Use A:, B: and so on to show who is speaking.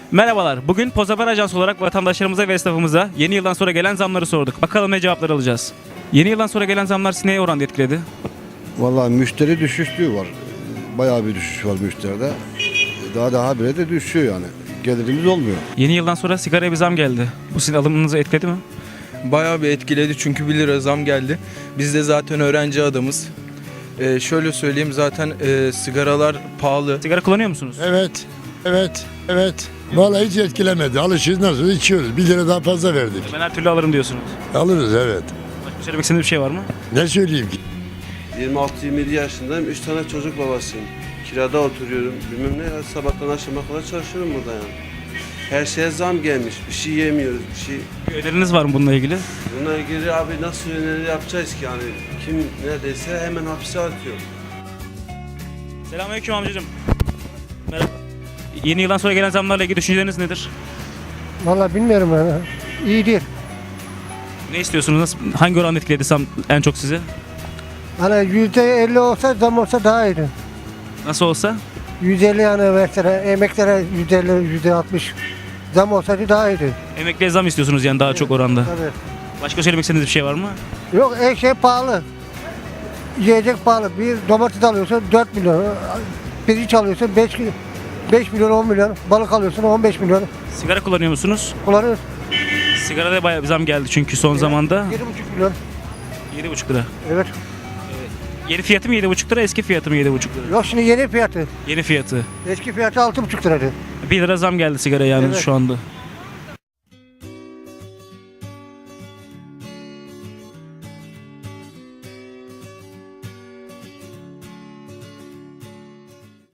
A: Merhabalar. Bugün Pozabar Ajans olarak vatandaşlarımıza ve esnafımıza yeni yıldan sonra gelen zamları sorduk. Bakalım ne cevaplar alacağız. Yeni yıldan sonra gelen zamlar sizi neye oranda etkiledi?
B: Vallahi müşteri düşüşlüğü var. Bayağı bir düşüş var müşteride. Daha bile de düşüyor yani. Gelirimiz olmuyor.
A: Yeni yıldan sonra sigaraya bir zam geldi. Bu sizin alımınızı etkiledi mi?
C: Bayağı bir etkiledi çünkü 1 lira zam geldi. Biz de zaten öğrenci adamız. Şöyle söyleyeyim zaten sigaralar pahalı.
A: Sigara kullanıyor musunuz?
D: Evet. Vallahi hiç etkilemedi. Alışıyoruz, nasıl içiyoruz. 1 lira daha fazla verdik.
A: Ben her türlü alırım diyorsunuz.
D: Alırız, evet.
A: Başka söylemek istediğiniz bir şey var mı?
D: Ne söyleyeyim ki?
E: 26-27 yaşındayım. 3 tane çocuk babasıyım. Kirada oturuyorum. Bilmem ne ya, sabahtan akşama kadar çalışıyorum burada yani. Her şeye zam gelmiş. Bir şey yemiyoruz. Bir şey.
A: Bir öneriniz var mı bununla ilgili?
E: Buna ilgili abi nasıl öneri yapacağız ki yani? Kim neredeyse hemen hapse atıyor.
A: Selamünaleyküm amcacığım. Merhaba. Yeni yıldan sonra gelen zamlarla ilgili düşünceleriniz nedir?
F: Vallahi bilmiyorum yani. İyi değil.
A: Ne istiyorsunuz? Hangi oran etkiledi zam en çok sizi?
F: Hani %50 olsa zam olsa daha iyiydi.
A: Nasıl olsa?
F: 150 yani mesela emeklere %50, %60 zam olsaydı daha iyiydi.
A: Emekliye zam istiyorsunuz yani daha çok oranda.
F: Tabii.
A: Başka söylemek istediğiniz bir şey var mı?
F: Yok her şey pahalı. Yiyecek pahalı. Bir domates alıyorsun 4 milyon. Pirinç alıyorsun 5 milyon 10 milyon. Balık alıyorsun 15 milyon.
A: Sigara kullanıyor musunuz?
F: Kullanıyoruz.
A: Sigarada bayağı bir zam geldi çünkü son zamanda.
F: 7,5 milyon.
A: 7,5 lira.
F: Evet.
A: Yeni fiyatı mı 7,5 lira, eski fiyatı mı 7,5 lira?
F: Yok şimdi yeni fiyatı.
A: Yeni fiyatı.
F: Eski fiyatı 6,5 liraydı.
A: 1 lira zam geldi sigara yani
F: Evet.
A: şu anda.